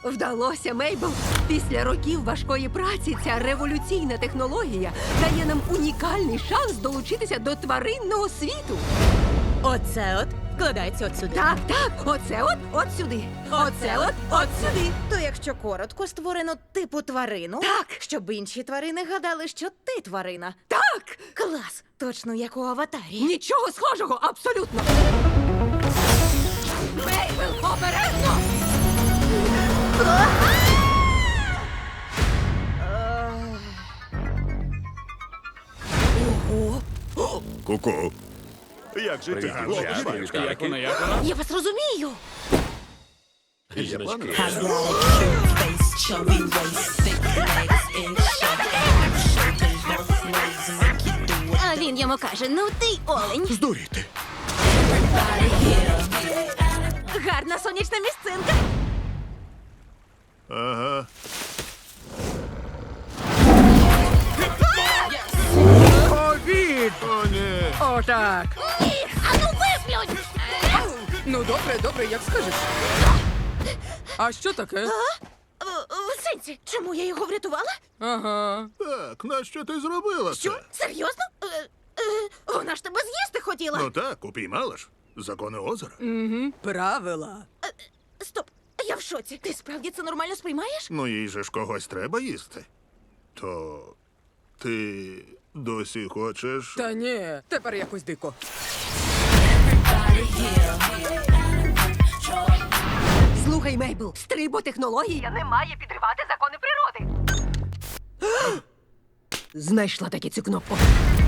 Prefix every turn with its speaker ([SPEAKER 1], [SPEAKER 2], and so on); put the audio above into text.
[SPEAKER 1] Вдалося, Мейбл. Після років важкої праці ця революційна технологія дає нам унікальний шанс долучитися до тваринного світу.
[SPEAKER 2] Оце от вкладається от сюди.
[SPEAKER 1] Так, так, оце от сюди. Оце от сюди.
[SPEAKER 2] То якщо коротко, створено типу тварину,
[SPEAKER 1] Так.
[SPEAKER 2] щоб інші тварини гадали, що ти тварина.
[SPEAKER 1] Так!
[SPEAKER 2] Клас! Точно як у аватарі.
[SPEAKER 1] Нічого схожого, абсолютно. Мейбл, обережно! Ого!
[SPEAKER 3] Ку-ку. Як же ти?
[SPEAKER 4] Як вона?
[SPEAKER 2] Я вас розумію.
[SPEAKER 5] А він йому каже: ну ти олень.
[SPEAKER 3] Здуріти.
[SPEAKER 2] Гарна сонячна місцинка.
[SPEAKER 3] Ага.
[SPEAKER 1] Обід!
[SPEAKER 3] О, ні.
[SPEAKER 1] Отак.
[SPEAKER 5] Ану виплюнь!
[SPEAKER 1] Ну, добре, як скажеш. А що таке?
[SPEAKER 2] В сенсі, чому я його врятувала?
[SPEAKER 1] Ага.
[SPEAKER 3] Так, нащо ти зробила
[SPEAKER 2] Що?
[SPEAKER 3] це?
[SPEAKER 2] Серйозно? Вона ж тебе з'їсти хотіла.
[SPEAKER 3] Ну так, упіймала ж. Закони озера.
[SPEAKER 1] Правила.
[SPEAKER 2] Стоп, я в шоці. Ти справді це нормально сприймаєш?
[SPEAKER 3] Ну їй же ж когось треба їсти. То ти досі хочеш?
[SPEAKER 1] Та ні, тепер якось дико. Слухай, Мейбл, стриботехнологія не має підривати закони природи. Знайшла таки цю кнопку.